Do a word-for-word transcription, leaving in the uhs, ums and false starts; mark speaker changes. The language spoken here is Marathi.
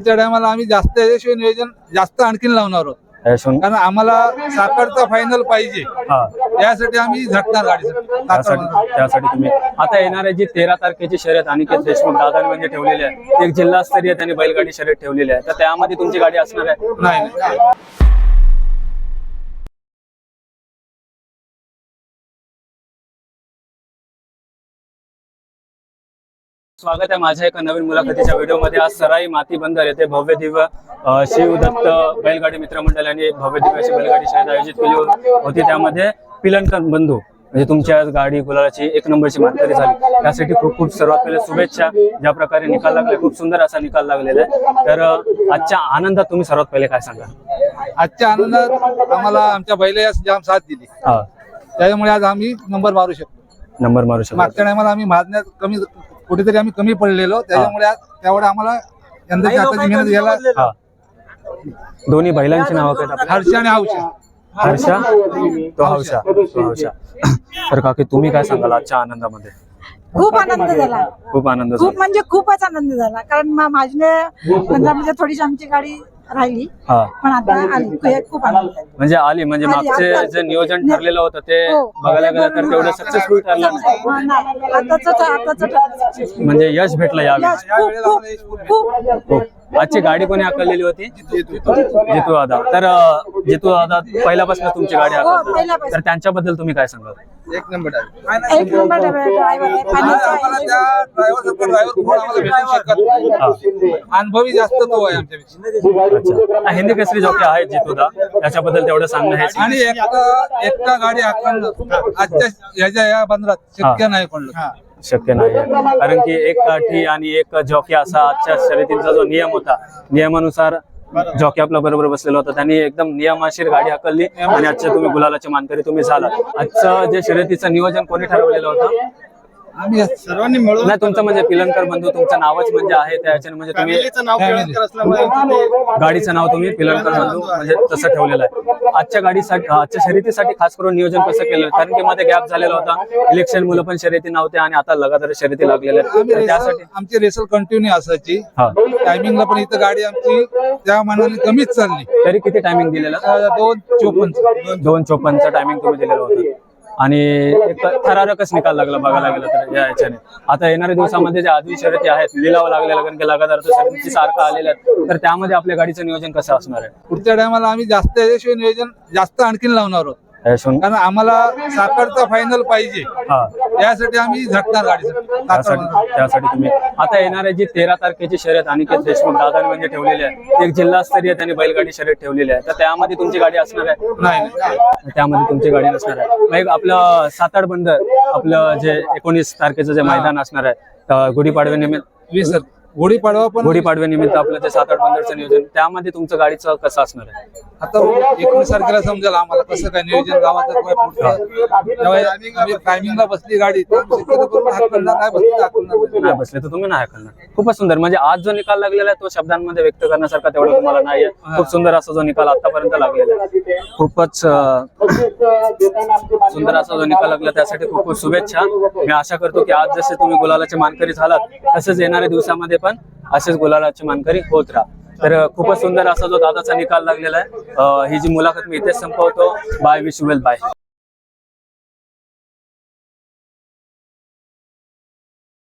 Speaker 1: पुढच्या टायमाला आम्ही जास्त याच्याशिवाय नियोजन जास्त आणखीन लावणार आहोत, कारण आम्हाला साखरचा फायनल पाहिजे. त्यासाठी आम्ही झटणार गाडीसाठी.
Speaker 2: त्यासाठी तुम्ही आता येणाऱ्या जी तेरा तारखेची शर्यत अनिकेत देशमुख दादांनी म्हणजे ठेवलेली आहे, एक जिल्हास्तरीय त्यांनी बैलगाडी शर्यत ठेवलेली आहे, तर त्यामध्ये तुमची गाडी असणार आहे?
Speaker 1: नाही.
Speaker 2: स्वागत आहे माझ्या एका नवीन मुलाखतीच्या व्हिडिओमध्ये. आज सराई माती बंदर येथे भव्य दिव्य शिवदत्त बैलगाडी मित्रमंडळ यांनी भव्य दिव्य अशी बैलगाडी शर्यत आयोजित केली होती. त्यामध्ये पिलनकर बंधू म्हणजे तुमच्या गाडी गुलालाची एक नंबरची मानकरी झाली, त्यासाठी खूप खूप सर्वात पहिले शुभेच्छा. ज्या प्रकारे निकाल लागला, खूप सुंदर असा निकाल लागलेला आहे. तर आजच्या आनंदात तुम्ही सर्वात पहिले काय सांगा?
Speaker 1: आजच्या आनंदात आम्हाला आमच्या बैलाला जाम साथ दिली, त्याच्यामुळे आज आम्ही नंबर मारू शकतो.
Speaker 2: नंबर मारू शकतो. मागच्या
Speaker 1: टायमाला आम्ही मारण्यात कमी कुठेतरी आम्ही कमी पडलेलो, त्याच्यामुळे आज त्यामुळे आम्हाला यंदाची हाताची मेहनत घ्यायला.
Speaker 2: दोन्ही बैलांची नावं काय?
Speaker 1: हर्षा आणि हौशा.
Speaker 2: हर्षा तो हौशा तो हौशा. तर काकी तुम्ही काय सांगाल आजच्या आनंदामध्ये?
Speaker 3: खूप आनंद झाला,
Speaker 2: खूप आनंद
Speaker 3: खूप म्हणजे खूपच आनंद झाला. कारण माझ्या पंधरा म्हणजे थोडीशी आमची गाडी राहिली, पण आता आली. खूप आनंद झाला.
Speaker 2: म्हणजे आली म्हणजे मागचे जे नियोजन ठरलेलं होतं ते बघायला गेलं तर तेवढं सक्सेसफुल ठरलं नाही, म्हणजे यश भेटलं यावेळी. खूप. आजची गाडी कोणी हाकललेली होती? जितू दादा. तर जितू दादा पहिल्यापासून तुमची गाडी हाकलतात, तर त्यांच्याबद्दल तुम्ही काय सांगाल?
Speaker 1: एक नंबर
Speaker 3: एक नंबर
Speaker 1: अनुभवी जास्त तो आहे आमच्यापेक्षा.
Speaker 2: हिंदी केसरी जॉकी आहेत जितूदा, त्याच्याबद्दल तेवढं सांगणं आहे.
Speaker 1: आणि एकटा एकटा गाडी हाकलणं आजच्या ह्याच्या या बंदरात शक्य नाही पडलं.
Speaker 2: शक्य नाही, कारण की एक काठी आणि एक जॉकी असा आजच्या शर्यतीचा जो नियम होता, नियमानुसार जॉकी आपल्या बरोबर बसलेला होता, त्यांनी एकदम नियमाशीर गाडी हाकलली आणि आजच्या तुम्ही गुलालाचे मानकरी तुम्ही झाला. आजचं जे शर्यतीचं नियोजन कोणी ठरवलेलं होतं?
Speaker 1: आम्ही सर्वांनी मिळून.
Speaker 2: नाही, तुमचं म्हणजे पिलनकर बंधू तुमचं नावच म्हणजे आहे त्याच्याने, म्हणजे तुम्ही गाडीचं नाव तुम्ही पिलनकर बंधू म्हणजे तसं ठेवलेलं आहे. आजच्या गाडीसाठी आजच्या शर्यतीसाठी खास करून नियोजन कसं केलं? कारण की मध्ये गॅप झालेला होता, इलेक्शन मुलं पण शर्यती नव्हते आणि आता लगातार शर्यती लागलेल्या आहेत, त्यासाठी
Speaker 1: आमची रेसल कंटिन्यू असायची. टायमिंगला पण इथं गाडी आमची त्या मानाने कमीच चालली.
Speaker 2: तरी किती टायमिंग दिलेलं?
Speaker 1: दोन चोपन्न
Speaker 2: दोन चोपन्नचं टायमिंग तुम्ही दिलेलं होतं आणि एक थरारकच निकाल लागला बघायला गेलं तर या याच्याने. आता येणाऱ्या दिवसामध्ये जे आधी शर्यती आहेत लिलाव लागलेला, कारण की लगातार शर्यती सारखं आलेल्या आहेत, तर त्यामध्ये आपल्या गाडीचं नियोजन कसं असणार आहे?
Speaker 1: पुढच्या टायमाला आम्ही जास्त याच्याशिवाय नियोजन जास्त आणखीन लावणार आहोत, कारण आम्हाला साखरचा फायनल पाहिजे. त्यासाठी आम्ही झटणार गाडीसाठी.
Speaker 2: त्यासाठी तुम्ही आता येणाऱ्या जी तेरा तारखेची शर्यत अनिकेत देशमुख दादांनी म्हणजे ठेवलेली आहे, एक जिल्हास्तरीय त्यांनी बैलगाडी शर्यत ठेवलेली आहे, तर त्यामध्ये तुमची गाडी असणार आहे?
Speaker 1: नाही,
Speaker 2: त्यामध्ये तुमची गाडी नसणार आहे. मग आपलं साताड बंदर आपलं जे एकोणीस तारखेचं जे मैदान असणार आहे गुढीपाडव्यानिमित्त
Speaker 1: वीस गुढीपाडवा पण
Speaker 2: गुढीपाडव्यानिमित्त आपलं जे साताड बंदरचं नियोजन, त्यामध्ये तुमचं गाडीचं कसं असणार आहे?
Speaker 1: आता एकोणीस तारखेला समजेल आम्हाला कसं काय नियोजन गावाचं काय पुढचं. टायमिंगला बसली गाडी
Speaker 2: नाही बसले तर तुम्ही नाही हाकलणार. खूपच सुंदर. म्हणजे आज जो निकाल लागलेला आहे तो शब्दांमध्ये व्यक्त करण्यासारखा तेवढा तुम्हाला नाहीये. खूप सुंदर असा जो निकाल आतापर्यंत लागलेला आहे, खूपच सुंदर असा जो निकाल लागला, त्यासाठी खूप खूप शुभेच्छा. मी आशा करतो की आज जसे तुम्ही गुलालाचे मानकरी झालात, तसेच येणाऱ्या दिवसामध्ये पण असेच गुलालाचे मानकरी होत राहा. तर खूपच सुंदर असा जो दादाचा निकाल लागलेला आहे. ही जी मुलाखत मी इथेच संपवतो. Bye, wish you well, bye.